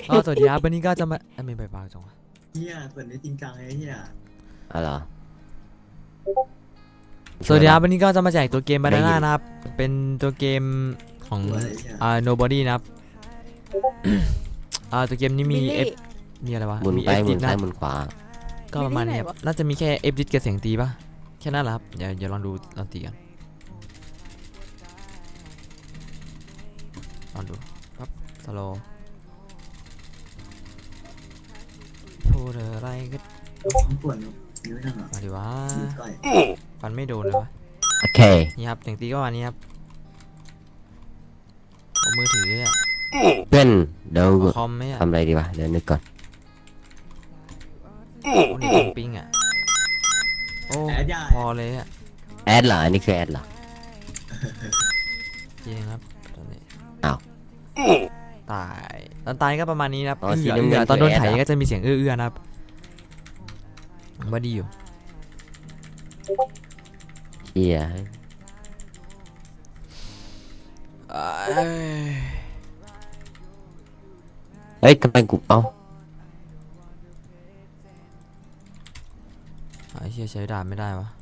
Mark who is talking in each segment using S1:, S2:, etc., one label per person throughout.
S1: สวัสดีครับวันนี้ก็จะมาไม่ไปเบาจังวะ
S2: เฮียเปิดได้จริงจังเลยเฮีย
S3: อะไรอ
S1: สวัสดีครับวันนี้ก็จะมาแจกตัวเกมบานาน่านะครับเป็นตัวเกมของnobody นะครับตัวเกมนี้มี F มีอะไรวะ
S3: หมุน
S1: มี
S3: ไป
S1: F
S3: หมุ
S1: ดิ
S3: น
S1: นะ
S3: ซ้ายหมุนขวา
S1: ก็ประมาณนี้ครับน่าจะมีแค่ F ดิกับเสียงตีป่ะแค่นั้นแหละครับอย่าลองดูลองตีกันลองดูครับสโลพูดอะไรก็
S2: ผมปวดนิ้วจังอ่ะ
S1: มาดิวะ
S2: นิ้วก้อย
S1: ฟันไม่โดนเลยวะ
S3: โอเค
S1: นี่ครับเสียงตีก็วันนี้ครับเอามือถืออ่ะ
S3: เพื่อนเดี๋ยว
S1: เอาคอมไหมอ่ะ
S3: ทำอะไรดีวะเดี๋ยวนึกก่อน
S1: โอ้นี่ของปิงอ่ะโอ้พอเลยอ่ะ
S3: แอดเหรออันนี้คือแอดเหรอ
S1: จริงครับตอนนี้
S3: อ้าว
S1: ตายตอนตายก็ประมาณนี้นะครับ
S3: อ๋อสี
S1: เอื้
S3: น้ำเงิ
S1: อน ตอนโดนไถ
S3: คือแอดเหรอ
S1: ก็จะมีเสียงเอื้อนะครับว่าดีอยู่
S3: เฮีย
S1: เอ้ย
S3: เฮ้ยทำไมกู
S1: ไอ้เชี่ยใช้ดาบไม่ได้วะ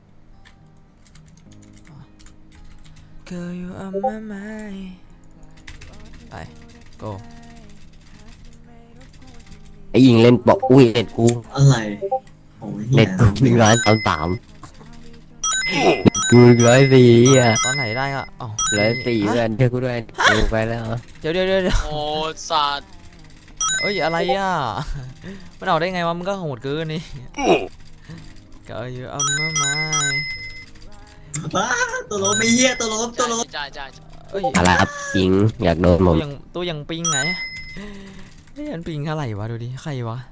S1: Girl you on my mind ไป go
S3: ไอ้ยิงเล่นบอกอุ้ยเน็ตกู
S2: อะไรโอ้ยเฮี
S3: เน็
S2: ย
S3: ตกู133กู104อ่ะ
S1: ตอนไหนได้ก็อ๋อ
S3: 104เพื่อนเชื่อกูด้วยกูไปแล้ว
S1: เดี๋ยว
S4: โอ้สัตว์
S1: เอ้ยอะไรอ่ะ มันออกได้ไงวะมันก็โหดเกินนี่ Girl you on my mind
S2: บ้าตัวล้มไม่เฮียตัวล้มตัวล้ม
S4: จ่าย
S1: เอ้ย
S3: อะไรครับยิงอยากโดนผ
S1: ตัว
S3: ม
S1: ยังปิงไงเฮ้ยมันปิงเท่าไหร่วะดูดิใครวะ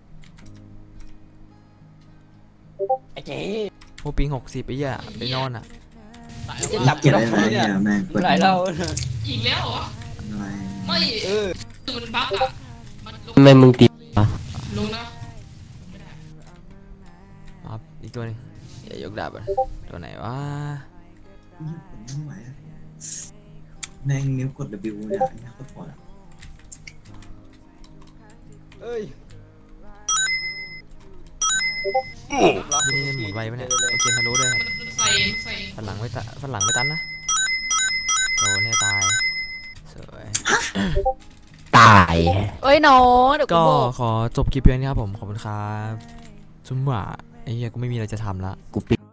S4: ไอ้เจ๊
S1: โอ้ปิง60ไอ้เหี้ยไปนอนอ่ะ
S4: จะจับ
S2: เกลียดอะไรเนี่ยแม่งกด
S4: หลายเรา
S5: อีกแล้วเหรอ
S2: อะไร
S5: ไม่มันบั๊กอ่ะ มันลง
S3: ทำไมมึงตีวะ
S5: ลงนะไม่ได้
S1: ครับอีกตัวหนึงอย่ายกดาบอ่ะตัวไหนวะ
S2: ไม่ไหวแม่งนิ้วกด W เนี่ยเนี่ยโคตรปวดอ่ะ
S1: นี่หมุนไวปะเนี่ยเอาเกมทะลุด้วยครับ
S5: มันใส่
S1: ฝันหลังไม่ตันนะโดนเนี่ยตายสวย
S3: ตาย
S6: เอ้ยน้องเดี๋ยวกู
S1: ก็
S6: บอก
S1: ขอจบคลิปเพียงนี้ครับผมขอบคุณครับจุ๊มหว่าไอ้เหี้ยกูไม่มีอะไรจะทำละ
S3: กูปิด